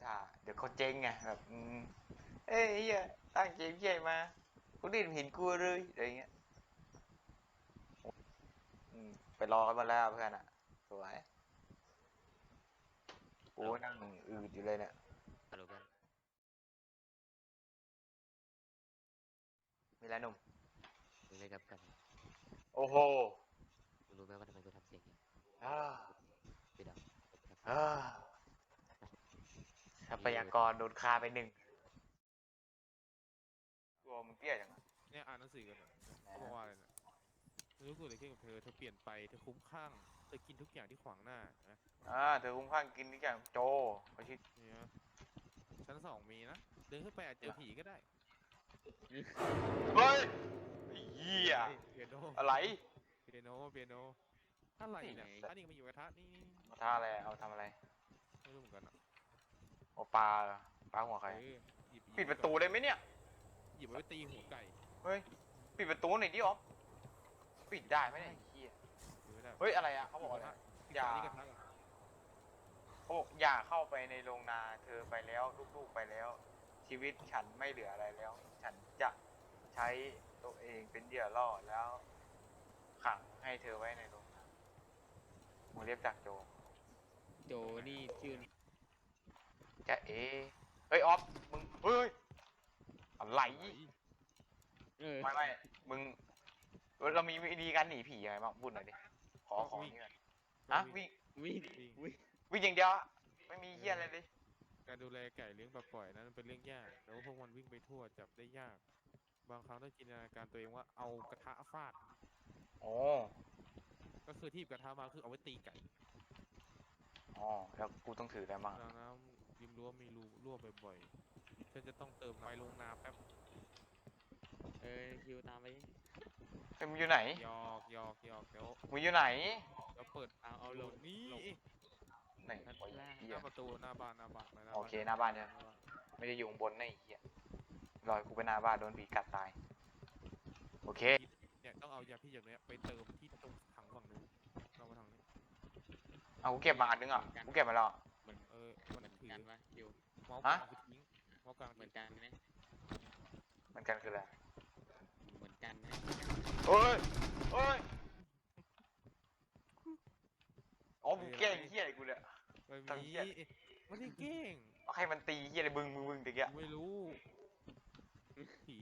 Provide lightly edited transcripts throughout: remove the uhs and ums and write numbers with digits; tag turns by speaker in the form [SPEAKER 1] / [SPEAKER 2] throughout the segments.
[SPEAKER 1] ท่าเดี๋ยวเขาเจ๊งไงแบบเอ้ยเฮียตั้งเกมเฮียมาคนอื่นเห็นกูเลยอะไรเงี้ยไปรอกันมาแล้วเพื่อนอ่ะสวยกูนั่งอืดอยู่เลยเนี่ย
[SPEAKER 2] ฮัลโหลเพื่อน
[SPEAKER 1] มีอะไรหนุ่ม
[SPEAKER 2] มึงเลยกับกัน
[SPEAKER 1] โอ้โห
[SPEAKER 2] มึงรู้ไหมว่าทำไมกูทำเสียงอย่างนี้
[SPEAKER 1] อ่า
[SPEAKER 2] พี่ดาวกูทำเสียง
[SPEAKER 1] อ่า
[SPEAKER 2] อย่างนี้
[SPEAKER 1] ทรัพ
[SPEAKER 2] คือ
[SPEAKER 1] ยากรโดนฆ่าไปหนึ่งตัวมึงเตี้ยจังอะ
[SPEAKER 3] เนี่ยอ่านหนังสือกันเนี่ยเขาบอกว่าอะไรเนี่ยไม่รู้เกิดอะไรขึ้นกับเธอเปลี่ยนไปเธอคุ้มข้างเธอกินทุกอย่างที่ขวางหน้านะ
[SPEAKER 1] เธอคุ้มข้างกินทุกอย่างโจเขาชื่อ
[SPEAKER 3] เนี่ยชั้นสองมีนะเดินขึ้นไปอาจเจอผีก็ได้
[SPEAKER 1] เฮ้ยไอ้เหี้ย
[SPEAKER 3] เปียโน
[SPEAKER 1] อะไร
[SPEAKER 3] เปียโนอะไรเนี่ยอันนี้ก็มีอยู่กระทะนี่
[SPEAKER 1] เอาท่าอะไรเอาทำอะไร
[SPEAKER 3] ไม่รู้เหมือนกันอ่ะ
[SPEAKER 1] โอปลาเหรอปลาหัวใครปิดประตูได้ไหมเนี่ย
[SPEAKER 3] หยิบไว้ตีหัวไก่
[SPEAKER 1] เฮ้ยปิดประตูหน่อยดิอ๋อปิดได้ไหมเนี่ยไอ้เหี้ย
[SPEAKER 3] ไม่ได้
[SPEAKER 1] เฮ้ยอะไรอ่ะเขาบอกอะไรอย่า
[SPEAKER 3] นี่กระทะ
[SPEAKER 1] เขาบอกอย่าเข้าไปในโรงนาเธอไปแล้วลูกๆไปแล้ว ชีวิตฉันไม่เหลืออะไรแล้ว ฉันจะใช้ตัวเองเป็นเหยื่อล่อแล้ว ขังให้เธอไว้ในโรงนามึงเรียกจากโจ
[SPEAKER 2] โจนี่ชื่อ
[SPEAKER 1] จะเฮ้ยออฟมึงเฮ้ยอะไรไม่มึงเรามีวิธีการหนีผียังไงบ้างพูดหน่อยดิขอนี่กันวิ่ง
[SPEAKER 2] วิ่งวิ่ง
[SPEAKER 1] วิ่งอย่างเดียวไม่มีเหี้ยอะไรเลย
[SPEAKER 3] การดูแลไก่เลี้ยงแบบปล่อยนั้นเป็นเรื่องยากแล้วพวกมันวิ่งไปทั่วจับได้ยากบางครั้งต้องจินตนาการตัวเองว่าเอากระทะฟาด
[SPEAKER 1] โอ้
[SPEAKER 3] ก็คือที่กระทะมาคือเอาไว้ตีไก่
[SPEAKER 1] แล้วกูต้องถืออะไรบ้าง
[SPEAKER 3] ดังน้ำริมรั้วมีรูรั่วบ่อยๆฉันจะต้องเติมน้ำไปลงนาแป๊บ
[SPEAKER 2] คิวตามไป
[SPEAKER 1] มึงอยู่ไหน
[SPEAKER 3] หยอกเดี๋ยว
[SPEAKER 1] มึงอยู่ไหน
[SPEAKER 3] เปิด
[SPEAKER 2] เอาลง
[SPEAKER 3] นี่
[SPEAKER 1] ไหนโอ้ยเหี้
[SPEAKER 3] ห
[SPEAKER 1] ย
[SPEAKER 3] น้าประตูหน้าบ้าน
[SPEAKER 1] โอเคหน้าบ้านเนี่ยไม่ได้อยู่ข้างบนนะไอ้เหี้ยลอยกูไปหน้าบ้านโดนผีกัดตายโอเค
[SPEAKER 3] เนี่ยต้องเอายาพิษอย่างเนี้ยไปเติมที่ตรงถังฝั่งนู้นเรามาทางนี้
[SPEAKER 1] เอากูเก็บมาอันนึงอ่ะกูเก็บมาแล้ว
[SPEAKER 3] มันมันถือ
[SPEAKER 2] กันวะคิว
[SPEAKER 3] เมาส์กลางคือทิ้งเมาส์กลาง
[SPEAKER 2] เหมือนกันไหม
[SPEAKER 1] มันกันคืออะไร
[SPEAKER 2] เหมือนกันไหม
[SPEAKER 1] เฮ้ยอ๋อมึงแกล้งเหี้ยอะไรกูเนี่ย
[SPEAKER 3] ไม่มีไม่ได้เก่ง
[SPEAKER 1] เอาให้มันตีเหี้ยอะไรมึงตะเกีย
[SPEAKER 3] ไม่รู้ผี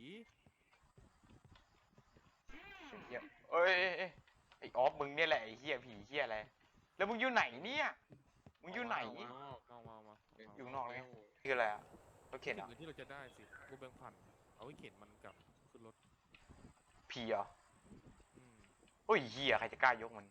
[SPEAKER 1] เหี้ยเอ้ยไอ้ออฟมึงเนี่ยแหละไอ้เหี้ยผีเหี้ยอะไรแล้วมึงอยู่ไหนเนี่ยมึงอยู่ไหน
[SPEAKER 3] มา
[SPEAKER 1] อยู่นอกเลยคืออะไรอ่ะรถเข็นอ่ะ
[SPEAKER 3] ที่เราจะได้สิกูแบ่งพันเอาไว้เข็นมันกลับขึ้นรถ
[SPEAKER 1] ผีเหรอโอ้ยเหี้ยใครจะกล้ายกมัน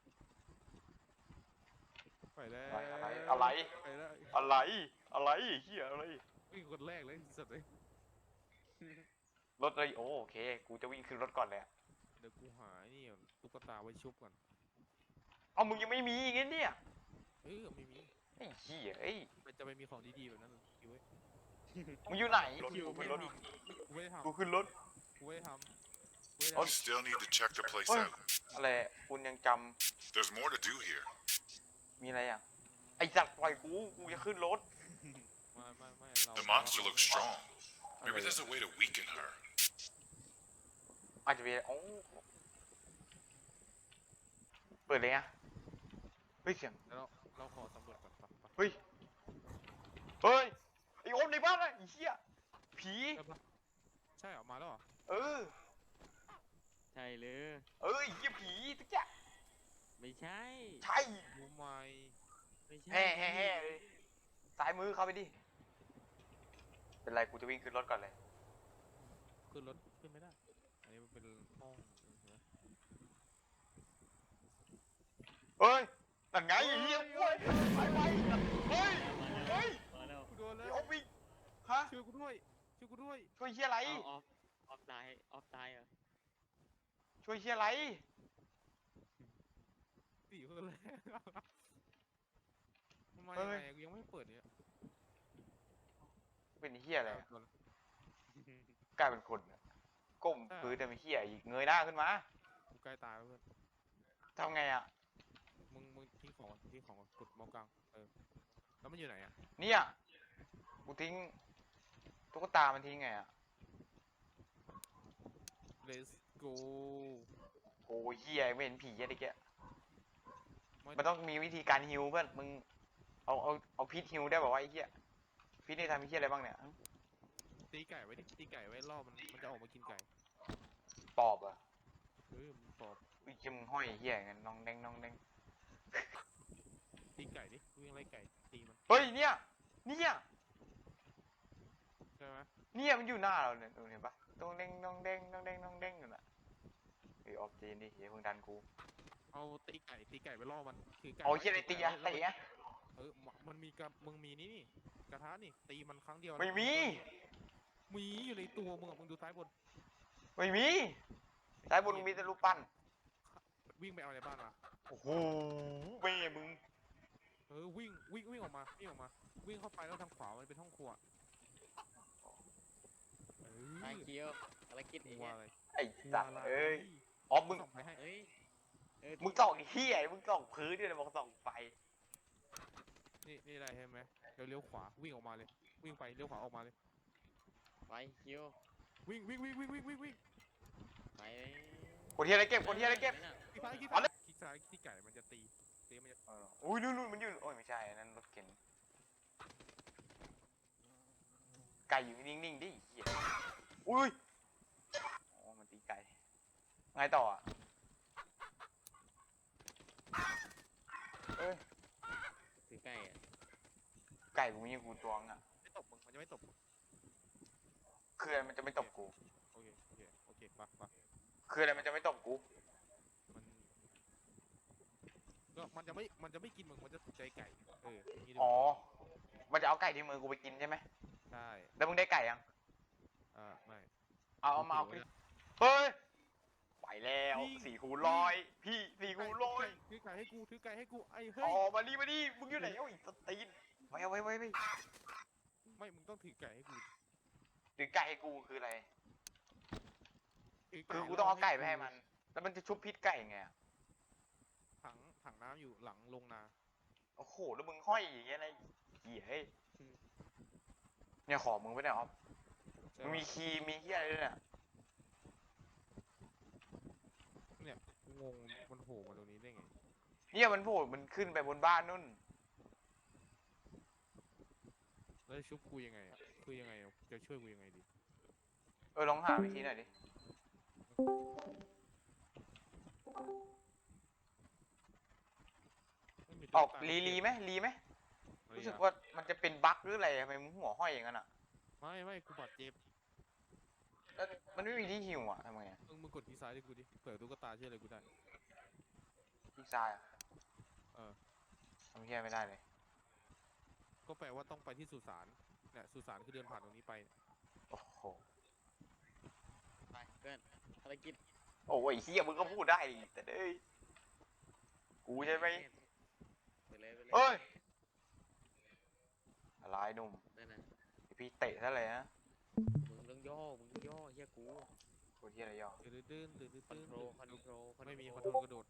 [SPEAKER 3] ไปแล้ว
[SPEAKER 1] อะไร
[SPEAKER 3] ไปแล้ว
[SPEAKER 1] อะไรเหี้ยอะไร
[SPEAKER 3] วิ่งคนแรกเลยสุดเลย
[SPEAKER 1] รถเลยโอเคกูจะวิ่งขึ้นรถก่อนเลย
[SPEAKER 3] เดี๋ยวกูหานี่ตุ๊กตาไว้ชุบก่อน
[SPEAKER 1] เอามึงยังไม่มีงั้นเนี่ย
[SPEAKER 3] ไม่มี
[SPEAKER 1] ไอ้เหี้ยเอ้ย
[SPEAKER 3] มันจะไปมีของดีๆแบบนั้นคิวเว้ย
[SPEAKER 1] มึงอยู่ไหน
[SPEAKER 3] คิวขึ้นรถกูไม่ได้ทำ
[SPEAKER 1] กูขึ้นรถ
[SPEAKER 3] กูไม่ได้ทำ
[SPEAKER 4] You still need to check the place out.
[SPEAKER 1] อะไรคุณยังจ
[SPEAKER 4] There's more to do here.
[SPEAKER 1] ำมีอะไรอ่ะไอ้จัดปล่อยกูจะขึ้นรถ
[SPEAKER 3] ไม่
[SPEAKER 4] The monster looks strong. Maybe there's a way to weaken her.
[SPEAKER 1] อาจจะเป็นโอ้เปิดเลยอ่ะเฮ้ยเสียง
[SPEAKER 3] เราขอสำรวจก่อน
[SPEAKER 1] เฮ้ยไอ้โอมในบ้านอะไอ้เหี้ยผี
[SPEAKER 3] ใช่เหรอมาแล้วเหรอ
[SPEAKER 2] ใช่เลย
[SPEAKER 1] ไอ้เหี้ยผีตุ๊กแก
[SPEAKER 2] ไม่ใช่
[SPEAKER 3] รู้ไหม
[SPEAKER 2] ไม่ใช่
[SPEAKER 1] แห่ซ้ายมือเข้าไปดิเป็นไรกูจะวิ่งขึ้นรถก่อนเลย
[SPEAKER 3] ขึ้นรถขึ้นไม่ได้อันนี้มันเป็นห้อง
[SPEAKER 1] เฮ้ยนั่นไงไอ้เหี้ยไปเฮ้ย
[SPEAKER 3] กูโดนแล้ว
[SPEAKER 1] ไอ้โอมวิ่งฮะ
[SPEAKER 3] ช่วยกูด้วย
[SPEAKER 1] ช่วยเหี้ยอะไร
[SPEAKER 2] ออฟตายเหรอ
[SPEAKER 1] ช่วยเหี้ยอะไร
[SPEAKER 3] ตีคนแรกทำไมกูยังไม่เปิดเนี่ย
[SPEAKER 1] เป็นเหี้ยอะไรกลายเป็นคนก้มพื้นแต่ไม่เหี้ยอีกเงยหน้าขึ้นมา
[SPEAKER 3] กูใกล้ตายแล้วเพื่อน
[SPEAKER 1] ทำไงอ่ะ
[SPEAKER 3] มึงทิ้งของกดเมาส์กลางแล้วมันอยู่ไหนอ่ะ
[SPEAKER 1] เนี่ยกูทิ้งตุ๊กตามันทิ้งไงอ่ะ
[SPEAKER 3] let's go
[SPEAKER 1] โอ้ยเฮียไม่เห็นผีอะไรแก
[SPEAKER 3] ไม่
[SPEAKER 1] มันต้องมีวิธีการฮิวเพื่อนมึงเอาพิษฮิวได้บอกว่าไอ้เฮียพิษนี่ทำไอ้เฮียอะไรบ้างเนี่ย
[SPEAKER 3] ตีไก่ไว้ดิตีไก่ไว้ล่อมันจะออกมากินไก่
[SPEAKER 1] ปอบเหรอ่ะ
[SPEAKER 3] มันปอบ
[SPEAKER 1] อุ้ยเหี้ยมึงห้อยไอ้เฮียงั้นน้องแดงน้องแดง
[SPEAKER 3] ตีไก่ดิวิ่งไล่ไก่ตีมัน
[SPEAKER 1] เฮ้ยเนี่ยเนี่ย
[SPEAKER 3] ใช่ไหม
[SPEAKER 1] เนี่ยมันอยู่หน้าเราเนี่ยดูเห็นปะน้องแดงน้องแดงน้องแดงน้องแดงอยู่น่ะเฮ้ยออกจีนดิเฮียเพิ่งดันกู
[SPEAKER 3] เอาตีไก่ไปล่อมันคือไก่
[SPEAKER 1] เอาเฮียอะไรตีอะ
[SPEAKER 3] แล้ว
[SPEAKER 1] ตีอะ
[SPEAKER 3] มันมีกับมึงมีนี่กระทะนี่ตีมันครั้งเดียว
[SPEAKER 1] ไม่มี
[SPEAKER 3] มีอยู่ในตัวมึงอะมึงดูซ้ายบน
[SPEAKER 1] ไม่มีซ้ายบนมึงมีแต่รูปปั้น
[SPEAKER 3] วิ่งไปเอาในบ้านมา
[SPEAKER 1] โอ้โหเบ้มึง
[SPEAKER 3] วิ่งออกมาวิ่งเข้าไปแล้วทางขวามันเป็นห้องครัว
[SPEAKER 2] ไอเคียวอะไรกิน
[SPEAKER 3] มึ
[SPEAKER 2] อี
[SPEAKER 3] ง
[SPEAKER 2] ก
[SPEAKER 3] ว่า
[SPEAKER 2] เนี่ย
[SPEAKER 3] อะไร
[SPEAKER 1] ไอ้สัตว์
[SPEAKER 3] ว่าะไร
[SPEAKER 1] เอ้ยออฟมึง
[SPEAKER 3] ส่องไปให้
[SPEAKER 2] เฮ้ยเ
[SPEAKER 1] มึงส่องไอ้เฮียมึงส่องพื้นด้วยนะบอกส่องไฟ
[SPEAKER 3] นี่อะไรเห็นไหมเลี้ยวขวาวิ่งออกมาเลย วิ่งไปเลี้ยวขวาออกมาเลย
[SPEAKER 2] ไปเคียว
[SPEAKER 3] วิ่ง
[SPEAKER 2] ไป
[SPEAKER 1] คนเฮียอะไรเก็บคนเฮียอะไรเก็บ
[SPEAKER 3] คลิกซ้ายคลิก
[SPEAKER 1] เอาเลย
[SPEAKER 3] ซ้ายที่ไก่มันจะตีมันจะ
[SPEAKER 1] อุ้ยนู่นมันอยู่โอ้ยไม่ใช่อันนั้นรถเข็นไก่อยู่นิ่งๆดิเฮียอุ้ยอ๋อมันตีไก่ไงต่ออ่ะเอ้ย
[SPEAKER 2] ถือไก่อะ
[SPEAKER 1] ไก่กูมีกูตวงอ่ะ
[SPEAKER 3] ไม่ตบมึงมันจะไม่ตบ
[SPEAKER 1] คืออะไรมันจะไม่ตบกู
[SPEAKER 3] โอเคปะ
[SPEAKER 1] คืออะไรมันจะไม่ตบกู
[SPEAKER 3] มันจะไม่กินมึงมันจะถูกใจไก่อย่างนี้ดีก
[SPEAKER 1] อ๋อ
[SPEAKER 3] ว่า
[SPEAKER 1] มันจะเอาไก่ที่มือกูไปกินใช่ไหม
[SPEAKER 3] ใช่
[SPEAKER 1] แล้วมึงได้ไก่ยัง
[SPEAKER 3] ไม่
[SPEAKER 1] เอามาเอาไปเฮ้ยไปแล้ว4 คูณ 100พี่4 คูณ 100
[SPEAKER 3] ถือไก่ให้กูไอ้เฮ้
[SPEAKER 1] อ๋
[SPEAKER 3] ย
[SPEAKER 1] อมาดิมึงอยู่ไหนเอ้าอีกสตีนไว้เอาไว้
[SPEAKER 3] ไม่มึงต้องถือไก่ให้กู
[SPEAKER 1] หรือไก่ให้กูคืออะไร
[SPEAKER 3] ถืไ
[SPEAKER 1] คือกูต้องเอาไก่ไปให้มัน แล้วมันจะชุบพิษไก่ไงอะ
[SPEAKER 3] ถังน้ำอยู่หลังลงนา
[SPEAKER 1] โอ้โห แล้วมึงห้อยอย่างเงี้ยอะไรเหี้ยเฮ้ยเนี่ยของมึงไปไหนออฟ
[SPEAKER 3] ใช่
[SPEAKER 1] มึง
[SPEAKER 3] ปะ
[SPEAKER 1] มีคีย์มีเหี้ยอะไรด้วยเนี่ย
[SPEAKER 3] เนี่ยกูงงมันโผล่มาตรงนี้ได้ไง
[SPEAKER 1] เนี่ยมันโผล่มันขึ้นไปบนบ้านนู่น
[SPEAKER 3] แล้วจะชุบกูยังไงอ่ะคือยังไงอะจะช่วยกูยังไงดี
[SPEAKER 1] ลองหาวิธีหน่อยดิ
[SPEAKER 3] ไม่มี
[SPEAKER 1] ออก
[SPEAKER 3] ตุ๊ตา
[SPEAKER 1] รีไหม
[SPEAKER 3] อะไร
[SPEAKER 1] รู้สึก
[SPEAKER 3] อะ
[SPEAKER 1] ว่ามันจะเป็นบั๊กหรืออะไรทำไมมึงหัวห้อยอย่างนั้นอ่ะ
[SPEAKER 3] ไม่กูบาดเจ็บ
[SPEAKER 1] แล้วมันไม่มีที่หิวอ่ะทำไงอะ
[SPEAKER 3] มึงกดที่ซ้ายดิกูดิเปิดตุ๊กตาช่วยอะไรกูได้
[SPEAKER 1] ที่ซ้ายอะ
[SPEAKER 3] เออ
[SPEAKER 1] ทำเหี้ยไม่ได้เลย
[SPEAKER 3] ก็แปลว่าต้องไปที่สุสานเนี่ยสุสานคือเดินผ่านตรงนี้ไป
[SPEAKER 1] โอ้โห
[SPEAKER 2] ไปเพื่อนอะไรกิน
[SPEAKER 1] โอ้ยเฮียมึงก็พูดได้ดิแต่เอ้ยกูใช่ไหม
[SPEAKER 2] ไปเลย
[SPEAKER 1] เอ้ยอะไรหนุ่ม
[SPEAKER 2] นั่นนะ
[SPEAKER 1] เดี๋ยวพี่เตะซะเลยนะ
[SPEAKER 2] มึงต้องย่อเฮียกู
[SPEAKER 1] กูเฮียอะไรย่อ
[SPEAKER 3] ตื่น
[SPEAKER 2] คอนโทรล
[SPEAKER 3] ไม่มีคอนโทรลกระโดด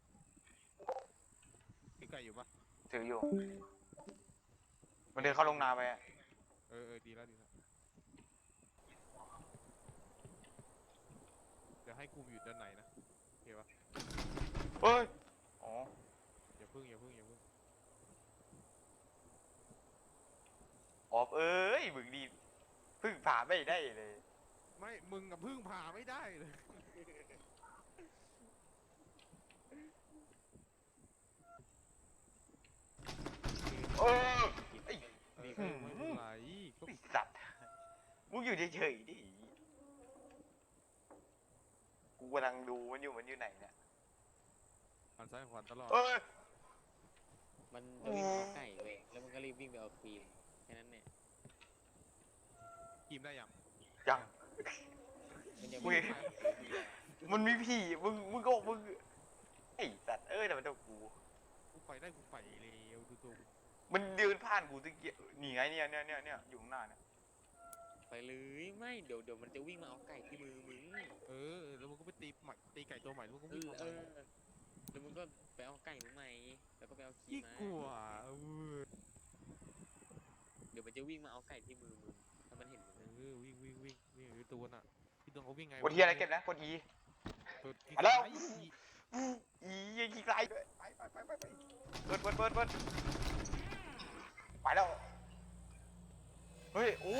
[SPEAKER 3] พี่ไก่อยู่ปะ
[SPEAKER 1] ถืออยู่ มันเดินเข้าลงนาไปอะ
[SPEAKER 3] ดีแล้วเดี๋ยวให้กูอยู่ด้านในนะโอเคปะ
[SPEAKER 1] เฮ้ย อ๋อ
[SPEAKER 3] อย่าพึ่ง
[SPEAKER 1] ออฟเอ้ย มึงดีพึ่งผ่าไม่ได้เลย
[SPEAKER 3] ไม่มึงกับพึ่งผ่าไม่ได้เลย
[SPEAKER 1] เออไอ้
[SPEAKER 3] ไม่เป็นไรก็
[SPEAKER 1] ไอ้สัตว์ มึงอยู่เฉยๆดิ กูกำลังดูมันอยู่ไหนเนี่ย
[SPEAKER 3] หันซ้ายขวาตลอด
[SPEAKER 1] เอ้ย
[SPEAKER 2] มันจะวิ่งเอาไก่เว้ยแล้วมันก็รีบวิ่งไปเอาครีมแค่นั้นเนี่ย
[SPEAKER 3] กินได้ยัง
[SPEAKER 1] ยัง
[SPEAKER 2] มันยัง
[SPEAKER 1] อุ้
[SPEAKER 2] ไม่
[SPEAKER 1] ย
[SPEAKER 2] ได้
[SPEAKER 1] มันมีผีมึงไอ้สัตว์เอ้ยแต่มันเจ้ากู
[SPEAKER 3] กูไปได้กูไปเร็วดูตัวกู
[SPEAKER 1] มันเดินผ่านกูตะเกียบนี่ไงเนี่ยอยู่ข้างหน้าเนี่ย
[SPEAKER 2] ไปเลยไม่เดี๋ยวมันจะวิ่งมาเอาไก่ที่มือมึง
[SPEAKER 3] แล้วมึงก็ไปตีไก่ตัวใหม่แล้วมึงก็วิ่งออก
[SPEAKER 2] เอ
[SPEAKER 3] มา
[SPEAKER 2] อแล้วมึงก็ไปเอาไก่มึงใหม่แล้วก็ไปเอาครี
[SPEAKER 3] ขี้
[SPEAKER 2] มมาก
[SPEAKER 3] ลัว
[SPEAKER 2] เดี๋ยวมันมันจะวิ่งมาเอาไก่ที่มือมึงถ้ามันเห็นมึง
[SPEAKER 3] วิ่งนี่อยู่ตัวน่ะพี่ตัวเขาวิ่งไง
[SPEAKER 1] กดเฮียอะไรเก็บนะกด E
[SPEAKER 3] กดที่
[SPEAKER 1] มาแล้ว
[SPEAKER 3] ไอ้
[SPEAKER 1] E ยิงไกลด้วยไปเปิดไปแล้วเฮ้ยโอ้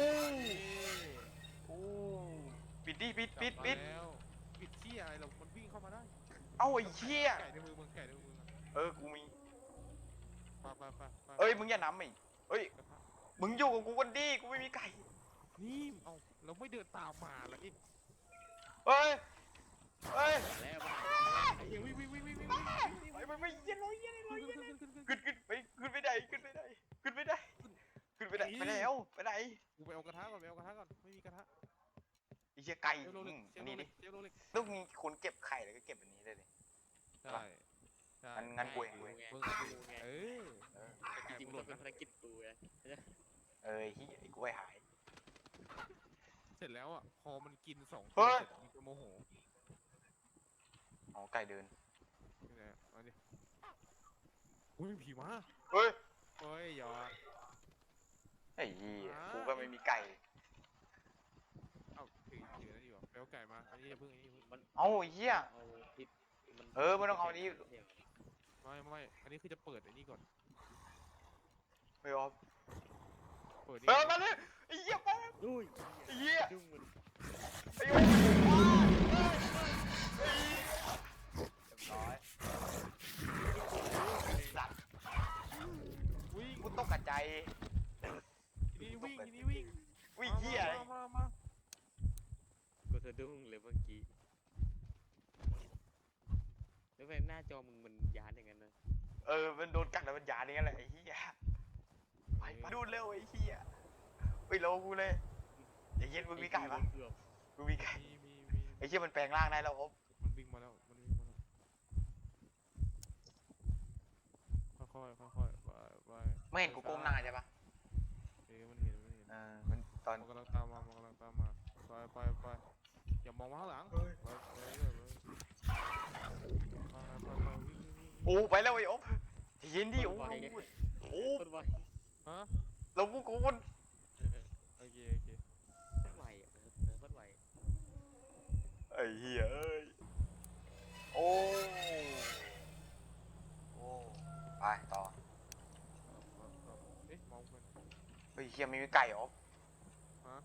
[SPEAKER 1] ปิดดิปิด
[SPEAKER 3] มาแล้วปิดที่อะไรเรามันวิ่งเข้ามาได้
[SPEAKER 1] เอ้าไอ้เหี้ย
[SPEAKER 3] ไก่ในมือมึงไก่ในมือมึง
[SPEAKER 1] กูมี
[SPEAKER 3] ไป
[SPEAKER 1] เอ้ยมึงอย่านำอีกเฮ้ย
[SPEAKER 3] กระทะ
[SPEAKER 1] มึงอยู่กับกูกันดิกูไม่มีไก่
[SPEAKER 3] นี่เอาเราไม่เดินตามมาละเอ๊ะ
[SPEAKER 1] เฮ้ย
[SPEAKER 2] มาแล้ว
[SPEAKER 3] ไอ้เหี้ยวิ่ง
[SPEAKER 1] ไม่เย็นเลยขึ้นไปไหนไปไหนไปแล้วไปไหน
[SPEAKER 3] กูไปเอากระทะก่อนไม่มีกระทะ
[SPEAKER 1] ไอ้เหี้ยไก่
[SPEAKER 3] เชลโลเล็ก
[SPEAKER 1] อันนี้ดิ
[SPEAKER 3] เชลโลเล็ก
[SPEAKER 1] ต้องมีคนเก็บไข่แล้วก็เก็บอันนี้ได้เลย
[SPEAKER 3] ใช่ใช่
[SPEAKER 1] งั้นกูเอง
[SPEAKER 2] ไง
[SPEAKER 3] มึง
[SPEAKER 2] กูไง
[SPEAKER 3] เออ
[SPEAKER 2] จริงๆมันต้องเป็นภารกิจกูไง
[SPEAKER 1] ไอ้เหี้ยไอ้กล้วยหาย
[SPEAKER 3] เสร็จแล้วอ่ะพอมันกิน2
[SPEAKER 1] เฮ้
[SPEAKER 3] ตัวย เสร็จมันจะโมโห
[SPEAKER 1] อ๋อไก่เดิน
[SPEAKER 3] นี่แหละมาดิอุ้ยมีผีมา
[SPEAKER 1] เฮ้ย
[SPEAKER 3] เฮ้ยอย่า
[SPEAKER 1] ไอ้เหี้ยกูก็ไม่มีไก่
[SPEAKER 3] เอ้าถือนั่นอยู่ไปเอาไก่มาอันนี้อย่าเพิ่ง
[SPEAKER 2] มัน
[SPEAKER 1] เอ้าไอ้เหี้ย
[SPEAKER 2] เอาพิษมัน
[SPEAKER 1] ไม่ต้องเอาอันนี้
[SPEAKER 3] ไม่อันนี้คือจะเปิดไอ้นี่ก่อน
[SPEAKER 1] ไม่ออฟ
[SPEAKER 3] เปิดนี่
[SPEAKER 1] มาเลยไอ้เหี้ยมา
[SPEAKER 2] อุ้ย
[SPEAKER 1] ไอ้เหี้ย
[SPEAKER 2] จุ้งมัน
[SPEAKER 1] ไอ้เหี้ยร้อยสัตว์
[SPEAKER 3] วิ่ง
[SPEAKER 1] กูตกกระใจ
[SPEAKER 3] ทีนี้วิ่ง
[SPEAKER 1] วิ่งเหี้ย
[SPEAKER 3] มา
[SPEAKER 2] กูสะดุ้งเลยเมื่อกี้แล้วไปหน้าจอมึงมันยานอย่างนั้นนะ
[SPEAKER 1] มันโดนกัดแล้วมันยาอย่างนั้นแหละไอ้เหี้ยไปดูเร็วไอ้เหี้ยไปโลกูเลยอย่าเย็นมึงมีไก่ปะ
[SPEAKER 2] เกือบ
[SPEAKER 1] มึงมีไก่
[SPEAKER 3] มี
[SPEAKER 1] ไอ้เหี้ยมันแปลงร่างได้แล้วอ๊บ
[SPEAKER 3] มันวิ่งมาแล้วค่อยไป
[SPEAKER 1] ไม่เห็นกูก้มหน้าใช่ปะ
[SPEAKER 3] มันเห็น
[SPEAKER 1] มันตอน
[SPEAKER 3] มันกำลังตามมาไปอย่ามองมาข้างหลังไปวิ่ง
[SPEAKER 1] โอ้ไปแล้วไอ้อ๊บอย่าเย็นดิโอ้
[SPEAKER 2] คนไว
[SPEAKER 3] ฮะ
[SPEAKER 1] เรากูกูน
[SPEAKER 3] โอเค
[SPEAKER 2] คนไวคนไว
[SPEAKER 1] ไอ้เหี้ยเอ้ยโอ้ไปต่อ
[SPEAKER 3] เอ๊ะมองมัน
[SPEAKER 1] เฮ้ยเหี้ยไม่มีไก่อ๊บ
[SPEAKER 3] ฮะ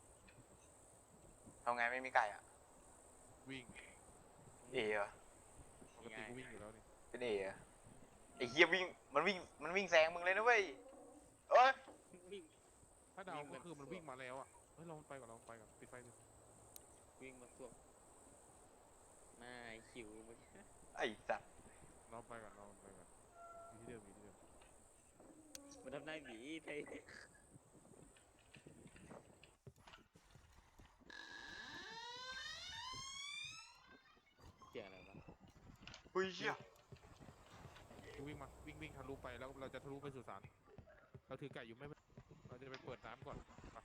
[SPEAKER 1] ทำไงไม่มีไก่อ่ะ
[SPEAKER 3] วิ่ง
[SPEAKER 1] เอ๋เหรอ
[SPEAKER 3] ปกติกูวิ่งอยู่แล้วนี่
[SPEAKER 1] เป็นเอ๋เหรอไอ้เหี้ยวิ่งมันวิ่งแซงมึงเลยนะเว้ยเอ้ย
[SPEAKER 2] วิ่ง
[SPEAKER 3] ถ้าเดาก็คือมันวิ่งมาแล้วอ่ะเฮ้ยเราไปก่อนปิดไฟ
[SPEAKER 2] วิ่งมาสวมหน้าคิวมึง
[SPEAKER 1] ไอ้สัตว์
[SPEAKER 3] เราไปก่อนอยู่ที่เดิม
[SPEAKER 2] มันทำได้หมีไทยเสียงอะไรวะ
[SPEAKER 1] เฮ้ยเหี้ย
[SPEAKER 3] กูวิ่งทะลุไปแล้วเราจะทะลุไปสู่ศาลเราถือไก่อยู่ไม่เราจะไปเปิดน้ำก่อน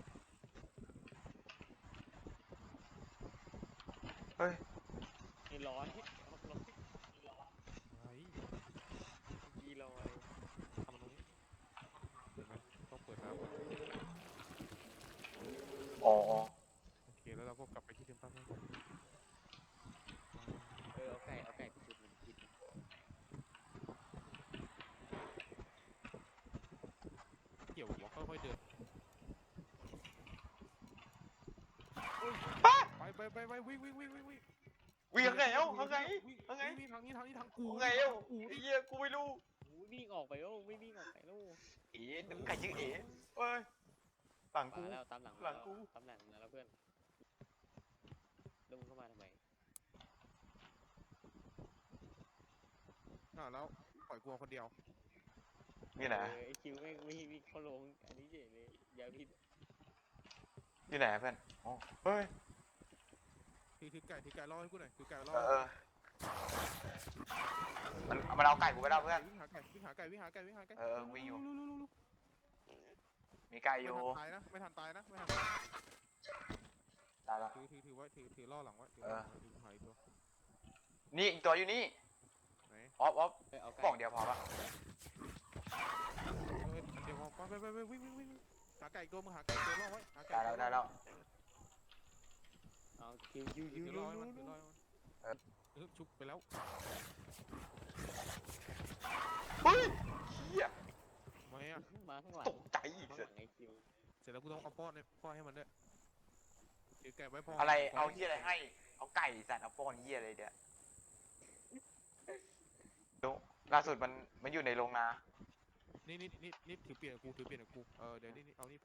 [SPEAKER 1] เฮ้ย
[SPEAKER 2] ไอ้ร้อยร้อย
[SPEAKER 3] ไอ้
[SPEAKER 2] กี่ร้อย
[SPEAKER 3] ทำตรงนี้เห็นไหมต้องเปิดน้ำก่อน
[SPEAKER 1] อ๋อ
[SPEAKER 3] โอเคแล้วเราก็กลับไปที่เดิมตั้ง
[SPEAKER 2] เอาไก่ไปจุดมันกิน
[SPEAKER 3] เกี่ยวหัวค่อยๆเดินไปวิ่ง
[SPEAKER 1] วิ่งยังไงเอ้ายังไง
[SPEAKER 3] วิ่งทางนี้ทางกู
[SPEAKER 1] ยังไงเอ้าไอ้เหี้ยกูไม่รู้
[SPEAKER 2] วิ่งออกไปโอ้ไม่วิ่งออกไปโอ้
[SPEAKER 1] เอ๋น้ำไก่ชื่อเอ๋เฮ้ยหลังกู
[SPEAKER 2] มาแล้วตามหลัง
[SPEAKER 1] หลังกู
[SPEAKER 2] ตามหลังแล้วเพื่อนแล้วมึงเข้ามาทำไม
[SPEAKER 3] แล้วปล่อยกูคนเดียว
[SPEAKER 1] นี่ไหน
[SPEAKER 2] ไอคิวแม่งวิ่งเข้าลงอันนี้เจ๋เลยอย่าผิด
[SPEAKER 1] นี่ไหนเพื่อนอ๋อเฮ้ย
[SPEAKER 3] ถือไก่ล่อให้กูหน่อยถือไก่ล่อ
[SPEAKER 1] มันเอาไก่กูไปแล้วเพื่อน
[SPEAKER 3] วิ่งหาไก่
[SPEAKER 1] วิ่งอยู่
[SPEAKER 3] ๆ
[SPEAKER 1] มีไก่อยู่
[SPEAKER 3] ไม่ทันตายนะ
[SPEAKER 1] ตายละ
[SPEAKER 3] ถือไว้ถือล่อหลังไว้หายตัว
[SPEAKER 1] นี่อีกตัวอยู่นี่
[SPEAKER 3] ไหน
[SPEAKER 1] อ๊อฟ
[SPEAKER 2] เอา
[SPEAKER 1] กล่องเดียวพอปะ
[SPEAKER 3] เดี๋ยวไปวิ่งหาไก่ตัวมึงหาไก่ตัวล่อไว้หาไก่
[SPEAKER 1] ได้แล้วได้แล้ว
[SPEAKER 2] เอาคิวยู
[SPEAKER 3] ถื
[SPEAKER 2] ยู
[SPEAKER 3] อ
[SPEAKER 2] ยู
[SPEAKER 3] ล่อให้มัน
[SPEAKER 2] ยู
[SPEAKER 3] ถือล่อให้มัน
[SPEAKER 1] เออ
[SPEAKER 3] ชุบไปแล้ว
[SPEAKER 1] เฮ้ยเหี้ย
[SPEAKER 3] ทำไมอ่ะ
[SPEAKER 2] มาข้างหลัง
[SPEAKER 1] ตกใจอีก
[SPEAKER 2] ข้าง
[SPEAKER 1] เส
[SPEAKER 2] ห
[SPEAKER 1] ร็
[SPEAKER 2] ลั
[SPEAKER 1] จ
[SPEAKER 2] งไอ้คิว
[SPEAKER 3] เสร็จแล้วกูต้องเอาป้อนเนี่ยป้อนให้มันด้วยถือไก่ไว้พอ
[SPEAKER 1] อะไรเอาเหี้ยอะไรให้เอาไก่สัตว์เอาป้อนเหี้ยอะไรเดี๋ยวดูล่าสุดมันอยู่ในโรงนา
[SPEAKER 3] นี่ถือเปลี่ยนกับกูถือเปลี่ยนกับกูเดี๋ยวนี่เอานี่ไป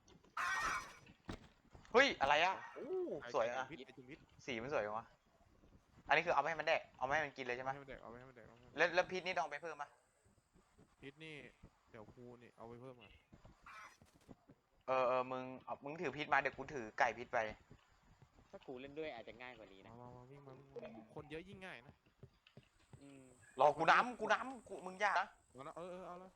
[SPEAKER 1] เฮ้ยอะไรอ่ะโอ้
[SPEAKER 3] ไอ้
[SPEAKER 1] สวย
[SPEAKER 3] ไก่
[SPEAKER 1] อ่ะ
[SPEAKER 3] พิษไอ้จุ่มพิษ
[SPEAKER 1] สีมันสวยจังวะอันนี้คือเอาไปให้มันแดกเอาไม่ให้มันกินเลยใช่ไหม
[SPEAKER 3] ให้มันแดกเอาไว้ให้มันแดกเอาไว้ให้มันแดก
[SPEAKER 1] แล้วพิษนี่ต้องเอาไปเพิ่มปะ
[SPEAKER 3] พิษนี่เดี๋ยวกูนี่เอาไปเพิ่มอ่ะ
[SPEAKER 1] มึงถือพิษมาเดี๋ยวกูถือไก่พิษไป
[SPEAKER 2] ถ้ากูเล่นด้วยอาจจะง่ายกว่านี้นะ
[SPEAKER 3] มาวิ่งมาคนเยอะยิ่งง่ายนะ
[SPEAKER 2] อืม
[SPEAKER 1] รอกูน้ำมึงยากนะ
[SPEAKER 3] เอาละเอาละ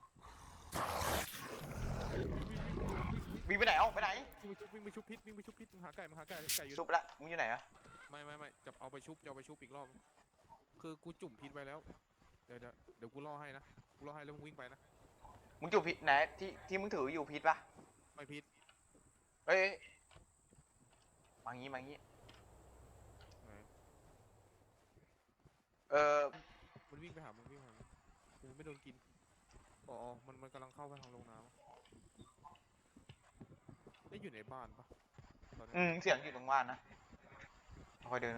[SPEAKER 1] วิ่งไปไหนไปไหน
[SPEAKER 3] วิ่งไปชุบพิษวิ่งไปชุบพิษมึงหาไก่อยู่
[SPEAKER 1] ชุบละมึงอยู่ไหนอะ
[SPEAKER 3] ไม่จะเอาไปชุบอีกรอบคือกูจุ่มพิษไว้แล้วเดี๋ยวกูล่อให้นะกูล่อให้แล้วมึงวิ่งไปนะ
[SPEAKER 1] มึงจุดพิษไหนที่มึงถืออยู่พิษปะ
[SPEAKER 3] ไม่พิษ
[SPEAKER 1] เอ้ยมางี้
[SPEAKER 3] ไหน มันวิ่งไปหามึงกูไม่โดนกินมันกำลังเข้าไปทางโรงน้ำได้อยู่ในบ้านปะตอนนี้
[SPEAKER 1] เสียงอยู่ตรงบ้านนะค่อยเดิน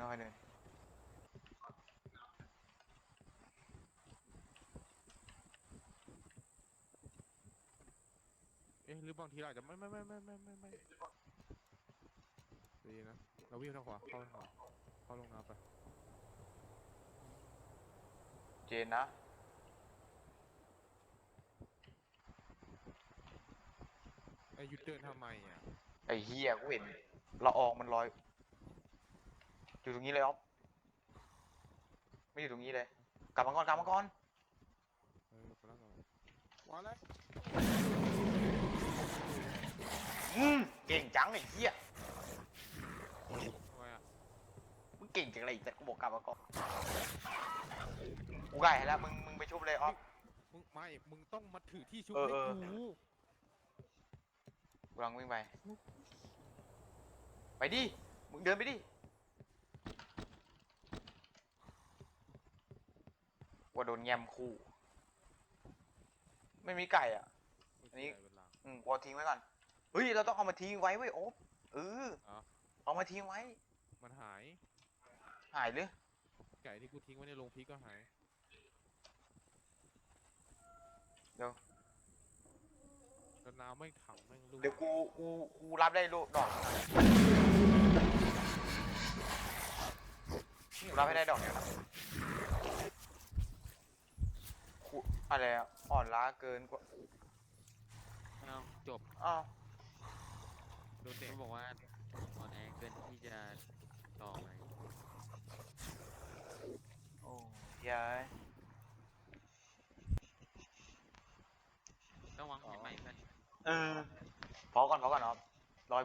[SPEAKER 3] หรือบางทีเราอาจจะไม่ดีนะเราวิ่งทางขวาเข้าทางขวาเข้าโรงน้ำไป
[SPEAKER 1] เจนนะ
[SPEAKER 3] หยุดเดินทำไมอ่ะ
[SPEAKER 1] ไอ้เฮียกูเห็นละอองมันลอยอยู่ตรงนี้เลยอ๊อฟไม่อยู่ตรงนี้เลย กลับมาก่อน
[SPEAKER 3] ไปแล้วว้าแล้ว
[SPEAKER 1] เก่งจังไอ้เฮีย
[SPEAKER 3] ทำไมอ่ะ
[SPEAKER 1] มึงเก่งจังเลยแต่กูบอกกลับมาก่อนกูไก่ให้แล้วมึงไปชุบเลยอ๊อฟ
[SPEAKER 3] มึงต้องมาถือที่ชุบ
[SPEAKER 1] เออ
[SPEAKER 3] ให้
[SPEAKER 1] เออ
[SPEAKER 3] กู
[SPEAKER 1] กูกำลังวิ่งไปดิมึงเดินไปดิว่าโดนแยมคู่ไม่มีไก่อ่ะ อันนี้ กูเอาทิ้งไว้ก่อนเฮ้ยเราต้องเอามาทิ้งไว้เว้ยโอ๊บเอามาทิ้งไว้
[SPEAKER 3] มันหาย
[SPEAKER 1] หายหรือ
[SPEAKER 3] ไก่ที่กูทิ้งไว้ในโรงพริกก็หาย
[SPEAKER 1] เดี๋ยว
[SPEAKER 3] แล้วน้ำไม่ขังแม่งลูก
[SPEAKER 1] เดี๋ยวกูรับได้ลูกดอกกูรับให้ได้ดอกเดียวนะกูอะไรอะอ่อนล้าเกินกว่า
[SPEAKER 2] เอาจบ
[SPEAKER 1] อ้าว
[SPEAKER 3] โดนเด็ก
[SPEAKER 2] มันบอกว่าอ่อนแอเกินที่จะต่อไป
[SPEAKER 1] โอ้ยาย
[SPEAKER 2] ต้องวางแผนใหม่เพื่อน
[SPEAKER 1] พอก่อนเนาะ